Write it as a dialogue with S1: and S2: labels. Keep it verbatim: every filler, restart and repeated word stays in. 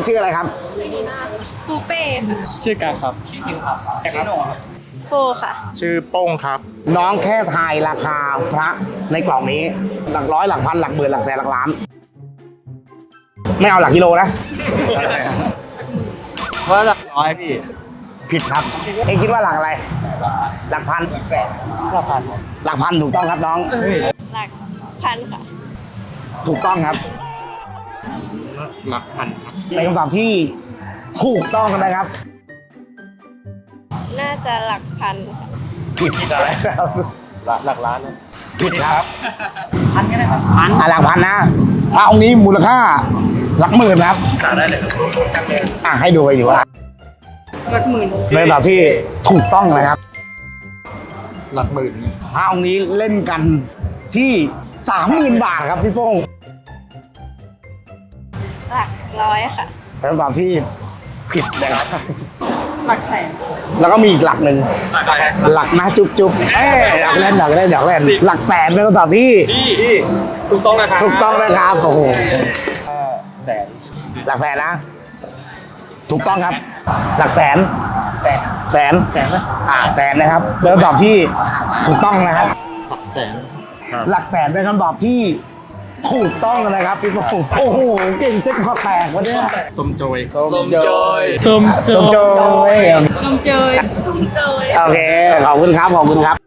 S1: ชื่ออะไรครับ
S2: ปูเป้ค่ะ
S3: ชื่อการครับชื่อคิวครับแคนโนครับ
S2: โฟค่ะ
S4: ชื่อโป้งครับ
S1: น้องแค่ทายราคาพระในกล่องนี้ หลักร้อยหลักพันหลักหมื่นหลักแสนหลักล้าน ไม่เอาหลักกิโลนะ
S4: ว่าหลักร้อยพี่
S1: ผิดครับ เองคิดว่าหลักอะไร หลักพัน
S3: ห้าพัน
S1: หลักพันถูกต้องครับน้อง
S2: หลักพันค่ะ
S1: ถูกต้องครับ
S4: หลักพัน
S1: เป็นคำตอบที่ถูกต้องนะครับ
S2: น่าจะหลักพันค่ะ
S1: ผิดอะไรครับ
S4: หลักหลักล้านนะ
S1: ผิดครับ
S3: พันก็ได้ครับพัน
S1: อ่ะหลักพันนะพระองค์นี้มูลค่าหลักหมื่นนะครับ
S3: จ่ายได้เลยครับ
S1: อ่ะให้ดูไปดีว่า
S2: หลักหมื่น
S1: เป็นคำตอบที่ถูกต้องนะครับ
S4: หลักหมื่น
S1: พระองค์นี้เล่นกันที่สามหมื่นบาทครับพี่โป้ง
S2: หลักร้อยค่ะ
S1: เป็นคำตอบที่ผิดนะครับ
S2: หลักแสน
S1: แล้วก็มีอีกหลักหนึ่ง
S3: จ่ายได้ครับ
S1: หลักนะจุ๊บจุ๊บเอ้ยอยากเล่นอยากเล่นอยากเล่นหลักแสนเป็นคำตอบที่
S3: พี่พี่ถูกต้องนะครับ
S1: ถูกต้องนะครับโอ้โห
S4: แสน
S1: หลักแสนนะ ถูกต้องครับ หลักแสน
S4: แสน
S1: แสน
S4: แสนไหม
S1: อ่าแสนนะครับเป็นคำตอบที่ถูกต้องนะครับ
S4: หลักแสน
S1: หลักแสนเป็นคำตอบที่ถูกต้องนะครับพี่โป้งโอ้โหเก่งเจ๊คอแตกวันนี้
S4: สมโจย
S1: สมโจย
S3: ส้ม
S1: สมโจย
S2: ส้มเจยส้มเจย
S1: โอเคขอบคุณครับขอบคุณครับ